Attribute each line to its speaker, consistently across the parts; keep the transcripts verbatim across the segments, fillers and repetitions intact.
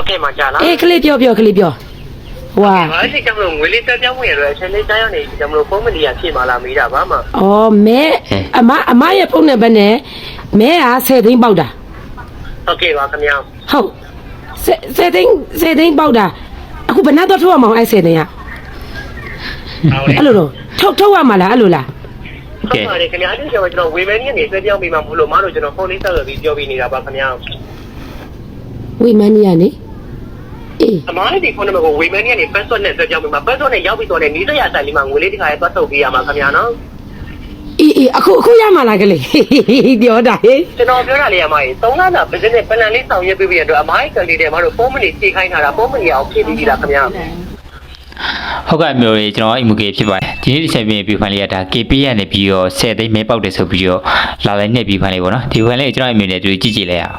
Speaker 1: ဟုတ်ကဲ့မှာကြာလား
Speaker 2: အေးကလေးပြောပြောကလေးပြောဟွာ
Speaker 1: အဲ့ဒီကြောင့်မလို့ငွေလေးတက်ပြောင်းဝင်ရတော့အချိန်လေးတိုင်းရောက်နေဒီကြောင့်မလို့ဖုန်းမလီယာဖြည့်မလာမေးတာပါမ
Speaker 2: အော်မဲအမအမရဲ့ဖုန်းနံပါတ်နဲ့မဲကဆယ်သိန်းပေါက်တာ
Speaker 1: ဟုတ်ကဲ့ပါခင်ဗျာ
Speaker 2: ဟုတ်ဆယ်သိန်းဆယ်သိန်းပေါက်တာအခုဘယ်နှတော့ထုတ်ရမအောင်အဲ့ဆယ်သိန်းကအဲ့လိုတော့ထုတ်ထုတ်ရမှာလားအဲ့လိုလား
Speaker 1: ဟုတ်ပါတယ်ခင်ဗျာအဲ့ဒီကျွန်တော်ဝေမဲကြီးကနေဆွဲပြောင်းပြီးမှမလို့မတို့ကျွန်တော်ဖုန်းလေးဆက်ရပြီးပြောပြီးနေတာပါခင်ဗျာ
Speaker 2: ဝေမဲကြီးကနေအေး
Speaker 1: အမားလေးဒီဖုန်းနံပါတ်ကိုဝေမဲကြီးကနေ password နဲ့ဆွဲပြောင်းပြီးမှ password နဲ့ရောက်ပြီးတော့လည်းနီးစပ်ရဆိုင်လေးမှာငွေလေးတစ်ခါရဲသွားထုတ်ပေးရမှာခင်ဗျာနော်
Speaker 2: အေးအေးအခုအခုရမှာလားကလေးပြောတာဟေး
Speaker 1: ကျွန်တော်ပြောတာလေးအမကြီးသုံးလတာ business plan လေးဆောင်ရွက်ပေးပြီးတော့အမကြီးကလေးတွေမတို့ဖုန်းမလေးဖြည့်ခိုင်းထားတာဖုန်းမလေးအောင်ဖြည့်ပြီးတာခင်ဗျာ
Speaker 3: ဟုတ်ကဲ့မျိုးရေကျွန်တော်အိမ်မူကေဖြစ်ပါတယ်ဒီနေ့ဒီချက်ပြင်းပြဖိုင်လေးကဒါ ကေ ပီ ရနေပြီးတော့ဆယ်သိန်းမဲပေါက်တယ်ဆိုပြီးတော့လာလိုက်နှစ်ပြီးဖိုင်လေးပေါ့နော်ဒီဖိုင်လေးကျွန်တော်အိမ်မျိုးနဲ့တွေ့ကြည့်ကြည့်လိုက်ရ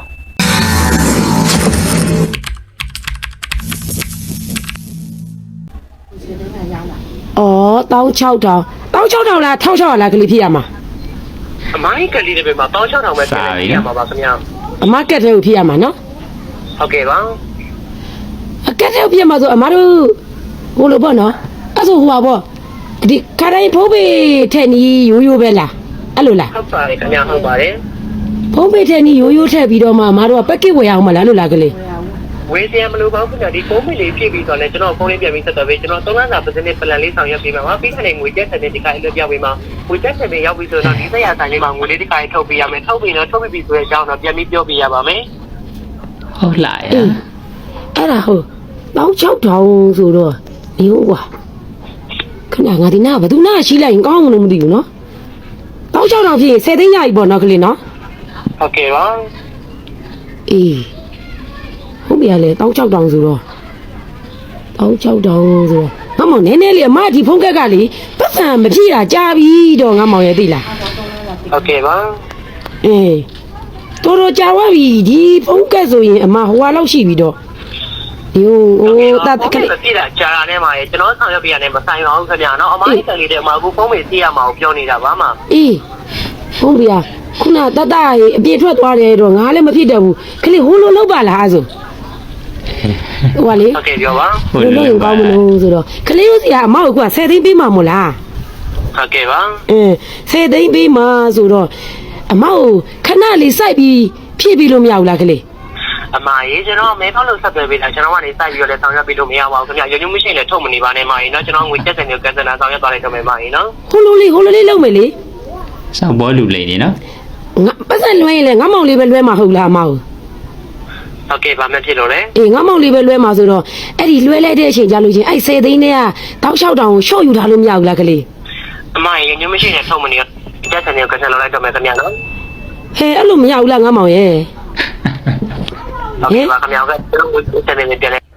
Speaker 2: အောင်အော်တောင်း၆ထောင်တောင်း၆ထောင်လား၁၆၀၀လားကလေးဖြစ်ရမှာ
Speaker 1: အမိုင်းကလေးတွေမှာတောင်း၆ထောင်ပဲဖြစ်ရမှာပါခင်ဗျာ
Speaker 2: အမကက်တဲ့ကိုဖြစ်ရမှာနော်
Speaker 1: ဟုတ်ကဲ့ပါ
Speaker 2: အကက်တဲ့ကိုဖြစ်မှာဆိုအမတို့ဟိုလိုပေါ့နော်အဲ့ဆိုဟိုပါပေါ့ဒီခါတိုင်းဖုံးပေထက်နီးရိုးရိုးပဲလားအဲ့လိုလား
Speaker 1: ဟုတ်ပါတယ်ခင်ဗျာဟုတ်ပါတယ်
Speaker 2: ဖုံးပေထက်နီးရိုးရိုးထက်ပြီးတော့မှအမတို့ကပက်ကစ်ဝယ်အောင်မလားလို့လားကလေး
Speaker 1: ဝေးစရာမလိုပါဘူးခင်ဗျာဒီဖုန်းမလေးဖြည့်ပြီးတော့လည်းကျွန်တော်ဖုန်းလေးပြန်ပြီးဆက်သွယ်ပေးကျွန်တော်သုံးလစာ business plan လေးဆောင်ရွက်ပေးမှာပါပြီးတဲ့ငွေကျက်တဲ့ဒီကအဲ့လိုပြပေးမှာငွေကျက်တဲ့ရောက်ပြီးဆိုတော့ဒီဆက်ရဆိုင်လေးမှာငွေလေးဒီကအဲ့ထုတ်ပေးရမယ်ထုတ်ပြီးတော့ထုတ်ပြီးဆိုတဲ့အကြောင်းတော့ပြန်ပြီးပြောပြရပါမယ်
Speaker 3: ဟုတ်လားရ
Speaker 2: အဲ့ဒါဟုတ်တောင်း၆ထောင်ဆိုတော့ဒီဟုတ်ကွာခဏငါဒီနာဘယ်သူနာရှိလိုက်ရင်ကောင်းမလို့မသိဘူးနော်တောင်း၆ထောင်ဖြစ်ရင်ဆယ်သိန်းရပြီပေါ့နော်ကလေးနော်
Speaker 1: ဟုတ်ကဲ့ပါ
Speaker 2: အေးဟုတ်ပြီလေတောင်း၆ထောင်ဆိုတော့တောင်း၆ထောင်ဆိုတော့ငါမောင်နည်းနည်းလေးအမဒီဖုန်းကက်ကလေပတ်စံမဖြည့်တာကြာပြီတော့ငါမောင်ရဲ့သိလား
Speaker 1: ဟုတ်ကဲ့ပါ
Speaker 2: အေးတော်တော်ကြာသွားပြီဒီဖုန်းကက်ဆိုရင်အမဟိုဟာလောက်ရှိပြီတော့ဒီဟိုတာ
Speaker 1: ကလေးပြတာကြာတာနဲ့မှာကျွန်တော်ဆောင်ရွက်ပြရတယ်မဆိုင်ပါဘူးခင်ဗျာနော်အမိုင်းကလေးတွေမှာအခုဖုန်းမေးသိရမှာကိုပြောနေတာပါမှာ
Speaker 2: အေးဟုတ်ပြီခုနတတရေအပြည့်ထွက်သွားတယ်တော့ငါလည်းမဖြစ်တော့ဘူးခလေးဟိုလိုလောက်ပါလားအဲ့ဆိုဟိုလေ
Speaker 1: ဟုတ်ကဲ့ပြောပါ
Speaker 2: ဟိုလိုရင်ကောင်းမလို့ဆိုတော့ခလေးတို့စီကအမောက်ကဆယ်သိန်းပေးမှာမို့လား
Speaker 1: ဟုတ်ကဲ့ပါ
Speaker 2: အင်းဆယ်သိန်းပေးမှာဆိုတော့အမောက်ခဏလေးစိုက်ပြီးဖြည့်ပြီးလို့မရဘူးလားခလေး
Speaker 1: အမရေကျွန်တော်မဲဖောက်လို့ဆက်သွယ်ပေးတာကျွန်တော်ကနေစိုက်ပြီးတော့လည်းဆောင်ရွက်ပေးလို့မရပါဘူးခင်ဗျာရုံညွှန်းမရှိလည်းထုတ်မနေပါနဲ့မရေနော်ကျွန်တော်ငွေကျက်တဲ့မျိုးကန်စနာဆောင်ရွက်သွားလိုက်တော့မယ်မရေနော်
Speaker 2: ဟိုလိုလေးဟိုလိုလေးလုပ်မယ်လေ
Speaker 3: စောက်ဘောလူလေးနေနော်
Speaker 2: ငါပတ်စံလွှဲရင်လည်းငါမောင်လေးပဲလွှဲမှာဟုတ်လားအမောက်
Speaker 1: ဟုတ်ကဲ့ဗာမဖြစ်လို့လေ
Speaker 2: အေးငါမောင်လေးပဲလွှဲမှာဆိုတော့အဲ့ဒီလွှဲလိုက်တဲ့အချိန်ကြာလို့ချင်းအဲ့ဆယ်သိန်းနဲ့ကတောက်လျှောက်တောင်ကိုရှော့ယူထားလို့မရဘူးလားကလေး
Speaker 1: အမရေညွှန်းမရှိလည်းထုတ်မနေကျက်တဲ့မျိုးကန်စနာလိုက်တော့မယ်ခင်ဗျာနော်
Speaker 2: ဟဲ့အဲ့လိုမရဘူးလားငါမောင်ရဲ့
Speaker 1: ဟုတ်ကဲ့ပါခင်ဗျာကကျွန်တော်ငွေကျက်တဲ့မျိုးပြန်လဲ